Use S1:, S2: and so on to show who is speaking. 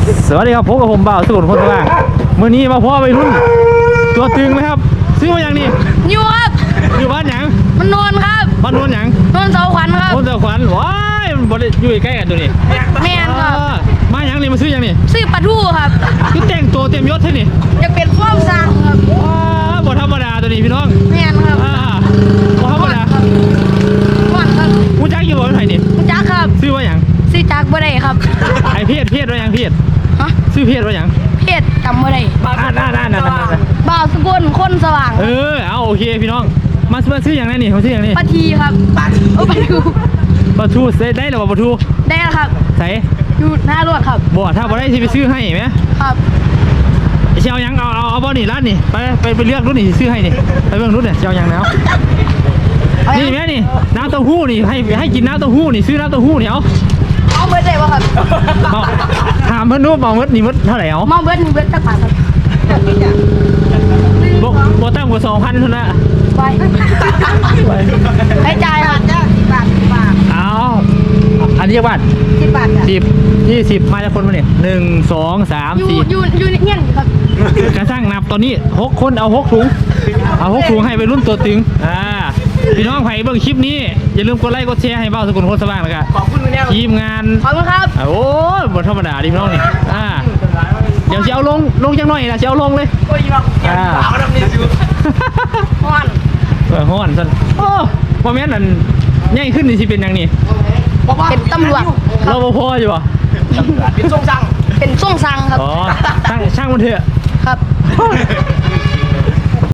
S1: สวัสดีครับพบกับผมบ่าวสุขคนสว่างมื้อนี้มาพ่อไปรุ่นตัวตึงนะครับซื้อมาอย่างนี้
S2: อยู่ครับ
S1: อยู่บ้านหยัง
S2: มันนอนครับ
S1: บ้านโนนหยัง
S2: นอนเสาขวัญครับ
S1: โนนเสาขวัญว้ายมันบ่ได้อยู่ใกล้กันตัวนี้
S2: แม่นครับ
S1: มาหยังนี่มาซื้อหยังนี่
S2: ซื้อปลาทูครับ
S1: คือแต่งตัวเต็มยศใช่นี่
S2: อยากเป็นฟ้อมสร้างครับ
S1: ว้าบ่ธรรมดาตัวนี้พี่น้อง
S2: แม่นครับ
S1: บ่ธรรมดา
S2: ม่อนครับ
S1: กูจักอยู่บ่ไผนี่
S2: คุณจักครับ
S1: ซื้อว่าหยัง
S2: ซื้อจักบ่ได้ครับ
S1: ไอ้เพศว่าหยังเพศ
S2: ฮะ
S1: ซื้อเพศว่าหยัง
S2: เพศจำบ่ได้
S1: นั่น
S2: บ่าวสกุลคนสว่าง
S1: เอาโอเคพี่น้องมาซื้อหยังนี่มาซื้อหยังนี่
S2: ปลาทีครับปลาทู
S1: ปลาทูได้หรือเปล่าปลาทู
S2: ได้แล้วครับ
S1: ใส่
S2: อยู่หน้ารถครับ
S1: บ่ถ้าบ่ได้สิไปซื้อให้ไหม
S2: ครับ
S1: เชียวยังเอาบ่นี่ร้านนี่ไปเลือกรุ่นนี่ซื้อให้นี่ไปเบิ่งรุ่นเนี่ยเชียวยังแล้วนี่แม่นี่น้ำเต้าหู้นี่ให้กินน้ำเต้าหู้นี่ซื้อน้ำเต้าหู้นี่เอา
S2: เอาเบิร์ดได้ป่ะครับ
S1: ถามเพิ่นดูเมาเมดนี่มดเท่าไหร่เอา
S2: มาเบิร์ด1 เบิร์ดจักบาทครับ
S1: บ่ตั้งกว่า 2,000เท่านั้น
S2: ไปให้จ่ายครับ
S1: เอาอันนี้บาท
S2: 10 บาทครับ
S1: 10 20มาจากคนมาเนี่ย1 2 3 4
S2: อยู่เงี้ยครับ
S1: กระช่างนับตอนนี้6คนเอา6ถุงให้ไปรุ่นตัวตึงพี่น้องไผ่เบิ่งคลิปนี้อย่าลืมกดไลค์กดแชร์ให้เบ้าสกุลโคตรสว่างแล้วกันขอบคุณทีมงาน
S2: ขอบคุณครับ
S1: โอ้ยบทธรรมดาดิพี่น้องนี่เดี๋ยวจะเอาลงจังหน่อยนะจะเอาลงเลย
S2: ม่อน
S1: ฮ้อนสันโอ้พอแม่นนั่นใหญ่ขึ้นนี่สิเป็นยังนี่
S2: เป็นตำรวจ
S1: เราบ่พออยู่ป่ะ
S2: เป็นส่งสั่งครับ
S1: อ๋อช่างมันเถอะ
S2: ครับ